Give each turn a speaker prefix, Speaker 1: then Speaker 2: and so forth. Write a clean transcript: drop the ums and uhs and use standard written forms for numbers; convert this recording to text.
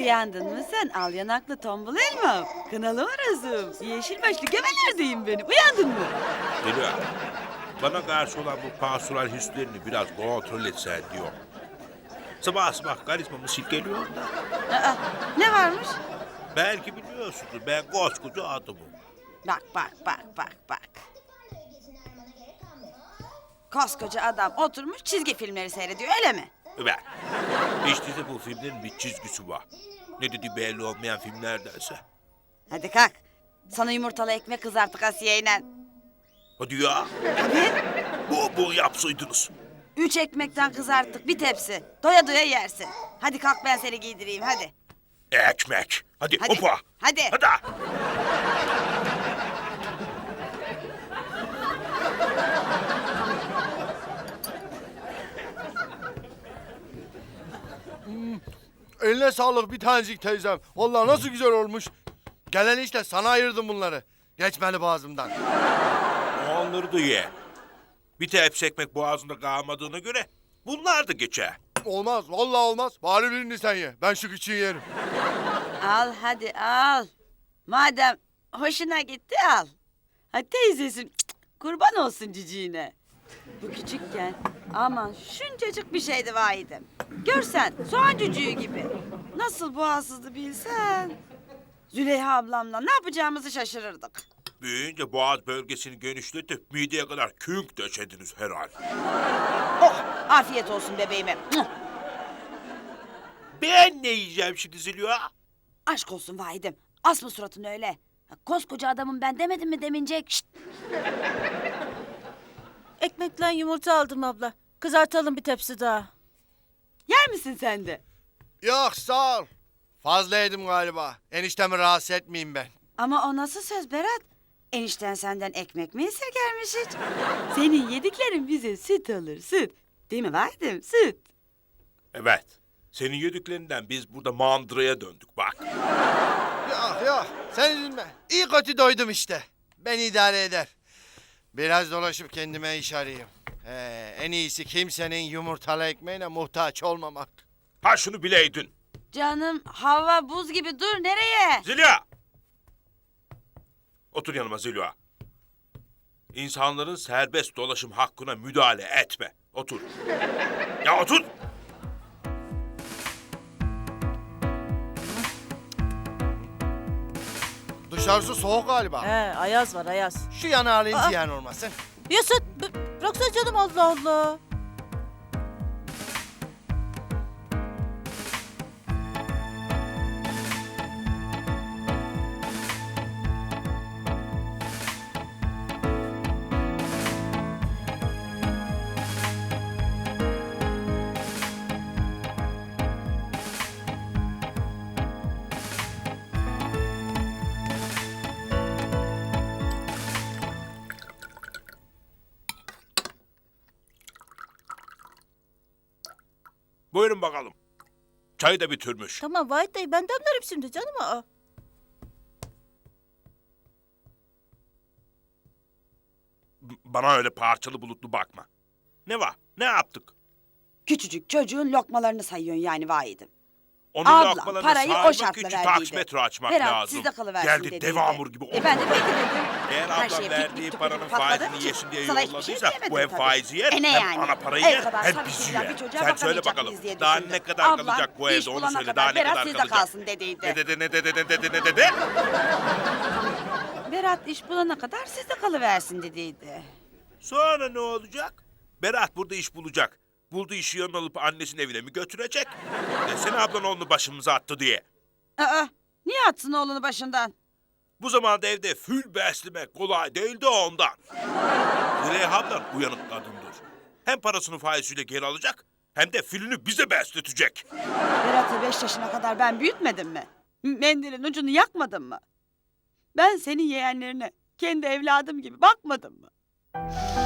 Speaker 1: Uyandın mı sen? Al yanaklı tombul elma. Kınalı orasım. Yeşil başlı gemelerdeyim benim. Uyandın mı?
Speaker 2: Zeliha, bana karşı olan bu pastoral hislerini biraz kontrol etsen diyor. Sabah sabah karizmamı silkeliyor da.
Speaker 1: Aa, ne varmış?
Speaker 2: Belki biliyorsunuz ben koskoca adamım.
Speaker 1: Bak. Koskoca adam oturmuş çizgi filmleri seyrediyor öyle mi?
Speaker 2: Evet. İşte de bu filmlerin bir çizgisi var. Ne dedi belli olmayan filmlerdense.
Speaker 1: Hadi kalk. Sana yumurtalı ekmek kızarttık Asiye'yle.
Speaker 2: Hadi ya.
Speaker 1: Tabii.
Speaker 2: Bu yapsaydınız.
Speaker 1: 3 ekmekten kızarttık bir tepsi. Doya doya yersin. Hadi kalk ben seni giydireyim hadi.
Speaker 2: Ekmek. Hadi,
Speaker 1: Hadi.
Speaker 2: hopa.
Speaker 1: Hadi.
Speaker 2: Hadi.
Speaker 3: Eline sağlık bir tanecik teyzem. Vallahi nasıl güzel olmuş. Gelen işte sana ayırdım bunları. Geçmeli boğazımdan.
Speaker 2: Onları da ye. Bir tepsi ekmek boğazında kalmadığına göre bunlar da geçer.
Speaker 3: Olmaz vallahi olmaz. Bari birini sen ye. Ben şu küçüğü yerim.
Speaker 1: Al hadi al. Madem hoşuna gitti al. Hadi teyzesin kurban olsun ciciğine. Bu küçükken aman şuncacık bir şeydi vahidim. Görsen soğan cücüğü gibi. Nasıl boğazsızdı bilsen. Züleyha ablamla ne yapacağımızı şaşırırdık.
Speaker 2: Büyüyünce boğaz bölgesini genişletip mideye kadar künk döşediniz herhal.
Speaker 1: Oh afiyet olsun bebeğime. Muah!
Speaker 2: Ben ne yiyeceğim şimdi Zeliha?
Speaker 1: Aşk olsun vahidim. Asma suratını öyle. Koskoca adamım ben demedim mi demincek? Şşt!
Speaker 4: Ekmekle yumurta aldım abla. Kızartalım bir tepsi daha.
Speaker 1: Yer misin sen de?
Speaker 3: Yok sağ ol. Fazla yedim galiba. Eniştemi rahatsız etmeyeyim ben.
Speaker 1: Ama o nasıl söz Berat? Enişten senden ekmek mi esirgermiş hiç? Senin yediklerin bize süt olur süt. Değil mi vahidim süt?
Speaker 2: Evet. Senin yediklerinden biz burada mandıraya döndük bak.
Speaker 3: Yok sen üzülme. İyi kötü doydum işte. Ben idare eder. Biraz dolaşıp kendime iş arayayım. En iyisi kimsenin yumurtalı ekmeğine muhtaç olmamak.
Speaker 2: Ha şunu bileydin.
Speaker 1: Canım hava buz gibi dur nereye?
Speaker 2: Zeliha! Otur yanıma Zeliha. İnsanların serbest dolaşım hakkına müdahale etme. Otur. Ya otur!
Speaker 3: Dışarısı soğuk galiba.
Speaker 4: He, ayaz var ayaz.
Speaker 3: Şu yanı alayım
Speaker 4: Aa.
Speaker 3: ziyan olmasın.
Speaker 4: Yusuf bıraksana canım Allah Allah.
Speaker 2: Buyurun bakalım. Çayı da bitirmiş.
Speaker 4: Tamam Vahit dayı ben demlerim şimdi canım. Aa.
Speaker 2: Bana öyle parçalı bulutlu bakma. Ne var? Ne yaptık?
Speaker 1: Küçücük çocuğun lokmalarını sayıyorsun yani vahidim.
Speaker 2: Onun
Speaker 1: Ablam
Speaker 2: lokmalarını
Speaker 1: parayı o
Speaker 2: saymak
Speaker 1: şartla
Speaker 2: için
Speaker 1: verdiydi.
Speaker 2: taksimetre açmak
Speaker 1: Berat
Speaker 2: lazım.
Speaker 1: sizde kalıversin
Speaker 2: Geldi
Speaker 1: dediydi.
Speaker 2: devamur gibi oldu.
Speaker 1: Ben de peki dedim.
Speaker 2: Eğer
Speaker 1: Her
Speaker 2: ablam
Speaker 1: şeye
Speaker 2: verdiği
Speaker 1: pik pik
Speaker 2: paranın
Speaker 1: pik patladığım
Speaker 2: faizini
Speaker 1: için
Speaker 2: yesin diye
Speaker 1: sana hiçbir şey
Speaker 2: yolladıysa
Speaker 1: diyemedim
Speaker 2: bu hem
Speaker 1: tabii.
Speaker 2: faizi yer
Speaker 1: Ne
Speaker 2: hem
Speaker 1: yani?
Speaker 2: ana parayı
Speaker 1: El
Speaker 2: yer
Speaker 1: kadar
Speaker 2: hep
Speaker 1: tabii
Speaker 2: bizi
Speaker 1: çocuğa,
Speaker 2: yer.
Speaker 1: bir çocuğa
Speaker 2: Sen söyle
Speaker 1: bakamayacak
Speaker 2: bakalım
Speaker 1: mıyız diye
Speaker 2: daha
Speaker 1: düşündüm.
Speaker 2: ne kadar
Speaker 1: Ablam,
Speaker 2: kalacak bu
Speaker 1: iş
Speaker 2: evde onu
Speaker 1: bulana
Speaker 2: söyle
Speaker 1: kadar
Speaker 2: daha ne
Speaker 1: Berat
Speaker 2: kadar
Speaker 1: sizde
Speaker 2: kalacak.
Speaker 1: kalsın dediydi.
Speaker 2: Ne dedi?
Speaker 1: Berat iş bulana kadar sizde kalıversin dediydi.
Speaker 2: Sonra ne olacak? Berat burada iş bulacak. Bulduğu işi yanına alıp annesinin evine mi götürecek? Desene ablan oğlunu başımıza attı diye.
Speaker 1: Aa, niye atsın oğlunu başından?
Speaker 2: Bu zamanda evde fül beslemek kolay değil de ondan. Züleyha ablan uyanık kadındır. Hem parasını faiziyle geri alacak hem de fülünü bize besletecek.
Speaker 1: Berat'ı 5 yaşına kadar ben büyütmedim mi? Mendilin ucunu yakmadım mı? Ben senin yeğenlerine kendi evladım gibi bakmadım mı?